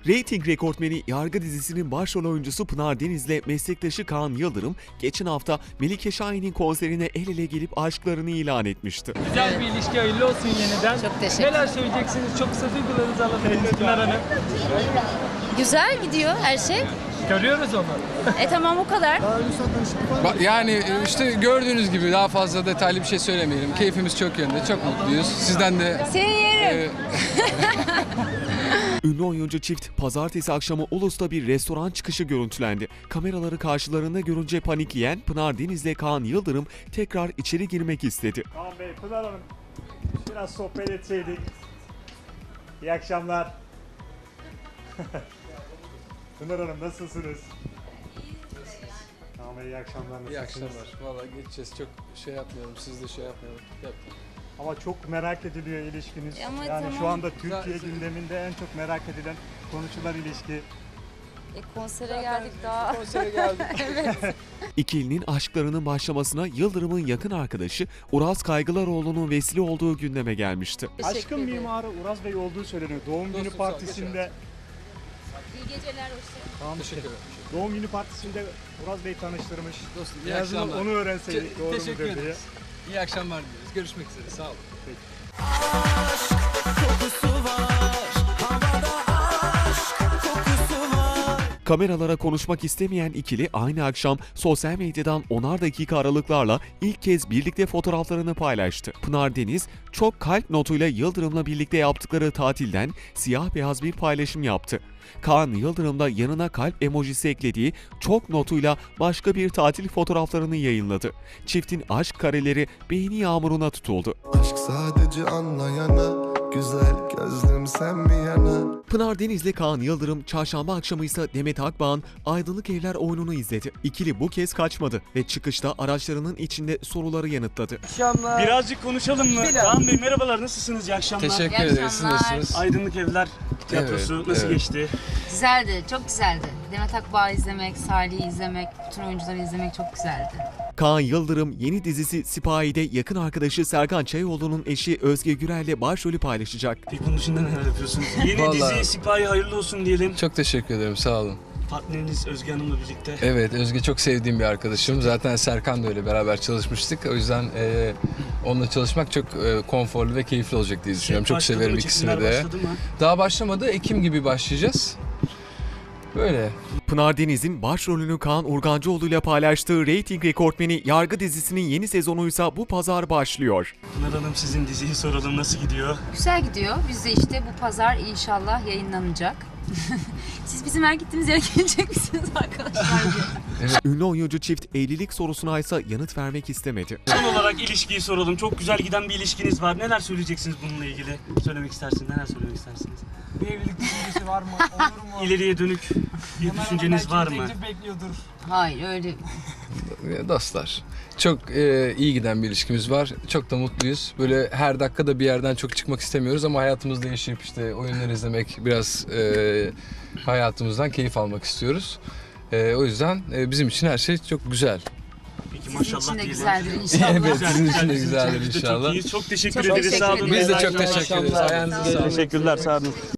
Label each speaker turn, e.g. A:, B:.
A: Rating rekortmeni Yargı dizisinin başrol oyuncusu Pınar Deniz'le meslektaşı Kaan Yıldırım geçen hafta Melike Şahin'in konserine el ele gelip aşklarını ilan etmişti.
B: Güzel bir ilişki, hayırlı olsun yeniden.
C: Çok teşekkür
B: Neler söyleyeceksiniz? Çok kısa duygularınızı alabiliriz Pınar Hanım.
C: Güzel gidiyor her şey.
B: Görüyoruz onu.
C: Tamam o kadar.
D: Yani işte gördüğünüz gibi daha fazla detaylı bir şey söylemeyelim. Keyfimiz çok yönde, çok mutluyuz. Sizden de...
C: Senin yerim.
A: Ünlü oyuncu çift pazartesi akşamı Ulus'ta bir restoran çıkışı görüntülendi. Kameraları karşılarında görünce panikleyen Pınar Deniz'le Kaan Yıldırım tekrar içeri girmek istedi.
E: Kaan Bey, Pınar Hanım, biraz sohbet etseydik. İyi akşamlar. Pınar Hanım nasılsınız? Kaan Bey iyi akşamlar, nasılsınız?
D: İyi akşamlar. Valla geçeceğiz. Çok şey yapmayalım, siz de şey yapmayalım.
E: Ama çok merak ediliyor ilişkiniz.
C: Ama
E: Yani
C: tamam.
E: şu anda Türkiye gündeminde en çok merak edilen, konuşulan ilişki.
C: Konsere geldik daha.
D: Konsere geldik.
A: İkilinin aşklarının başlamasına Yıldırım'ın yakın arkadaşı Uraz Kaygılaroğlu'nun vesile olduğu gündeme gelmişti.
E: Aşkın mimarı Uraz Bey olduğu söyleniyor. Doğum günü
D: Dostum, sağ ol,
E: partisinde.
C: İyi geceler, hoşçakalın.
E: Tamam,
D: Teşekkür ederim.
E: Doğum günü partisinde Uraz Bey tanıştırmış.
D: Dostum,
E: En
D: iyi
E: azından
D: akşamlar.
E: onu öğrenseydik doğru
D: Teşekkür
E: mudur diye.
D: ederiz. İyi akşamlar diliyoruz. Görüşmek üzere. Sağ olun.
A: Kameralara konuşmak istemeyen ikili aynı akşam sosyal medyadan 10'ar dakika aralıklarla ilk kez birlikte fotoğraflarını paylaştı. Pınar Deniz çok kalp notuyla Yıldırım'la birlikte yaptıkları tatilden siyah beyaz bir paylaşım yaptı. Kaan Yıldırım da yanına kalp emojisi eklediği çok notuyla başka bir tatil fotoğraflarını yayınladı. Çiftin aşk kareleri beğeni yağmuruna tutuldu.
F: Aşk sadece anlayana, güzel gözlüm sen mi yana?
A: Pınar Deniz'le Kaan Yıldırım çarşamba akşamı ise Demet Akbağ'ın Aydınlık Evler oyununu izledi. İkili bu kez kaçmadı ve çıkışta araçlarının içinde soruları yanıtladı.
G: Birazcık konuşalım mı? Kaan Bey merhabalar, nasılsınız? İyi akşamlar.
D: Teşekkür
C: İyi
D: ederiz. Siz
C: akşamlar.
D: nasılsınız?
G: Aydınlık Evler Tiyatrosu
D: Evet,
G: nasıl
D: evet.
G: geçti?
C: Güzeldi, çok güzeldi. Demet Akbağ'ı izlemek, Salih'i izlemek, bütün oyuncuları izlemek çok güzeldi.
A: Kaan Yıldırım yeni dizisi Sipahi'de yakın arkadaşı Serkan Çayoğlu'nun eşi Özge Gürel'le başrolü paylaşacak.
G: Peki bunun dışında neler yapıyorsunuz? Yeni
D: Vallahi-
G: dizi Sipahi hayırlı olsun diyelim.
D: Çok teşekkür ederim. Sağ olun.
G: Partneriniz Özge Hanım'la birlikte.
D: Evet, Özge çok sevdiğim bir arkadaşım. Zaten Serkan da öyle, beraber çalışmıştık. O yüzden onunla çalışmak çok konforlu ve keyifli olacak diye düşünüyorum. Çok
G: Başladı
D: severim
G: mı?
D: ikisini
G: Çekimler
D: de.
G: başladı mı?
D: Daha başlamadı. Ekim gibi başlayacağız. Böyle.
A: Pınar Deniz'in başrolünü Kaan Urgancıoğlu ile paylaştığı reyting rekortmeni Yargı dizisinin yeni sezonuysa bu pazar başlıyor.
G: Pınar Hanım, sizin diziyi soralım, nasıl gidiyor?
C: Güzel gidiyor. Biz de işte bu pazar inşallah yayınlanacak. Siz bizim her gittiğimiz yere gelecek misiniz arkadaşlar diye.
A: Ünlü oyuncu çift evlilik sorusuna ise yanıt vermek istemedi.
G: Son olarak ilişkiyi soralım. Çok güzel giden bir ilişkiniz var. Neler söyleyeceksiniz bununla ilgili? Söylemek istersiniz, neler söylemek istersiniz?
B: Bir evlilik düşüncesi var mı? Olur mu?
G: İleriye dönük bir düşünceniz var mı?
B: Teklif bekliyordur.
C: Hayır öyle.
D: Dostlar, çok iyi giden bir ilişkimiz var. Çok da mutluyuz. Böyle her dakikada bir yerden çok çıkmak istemiyoruz ama hayatımızda yaşayıp işte oyunları izlemek, biraz hayatımızdan keyif almak istiyoruz. O yüzden bizim için her şey çok güzel.
G: Peki
C: Sizin
G: maşallah
C: için de
G: diyelim.
C: güzeldir inşallah.
D: Evet, sizin için de
G: Bizim
D: güzeldir
G: biz de
D: inşallah.
G: Çok iyiyiz. Çok teşekkür
C: Çok
G: ederiz.
C: teşekkür
G: Sağ olun.
C: ederiz.
D: Biz de
G: İyi
D: çok teşekkür ederiz.
G: akşamlar.
D: Ayağınıza sağlık.
G: Teşekkürler. Sağ olun.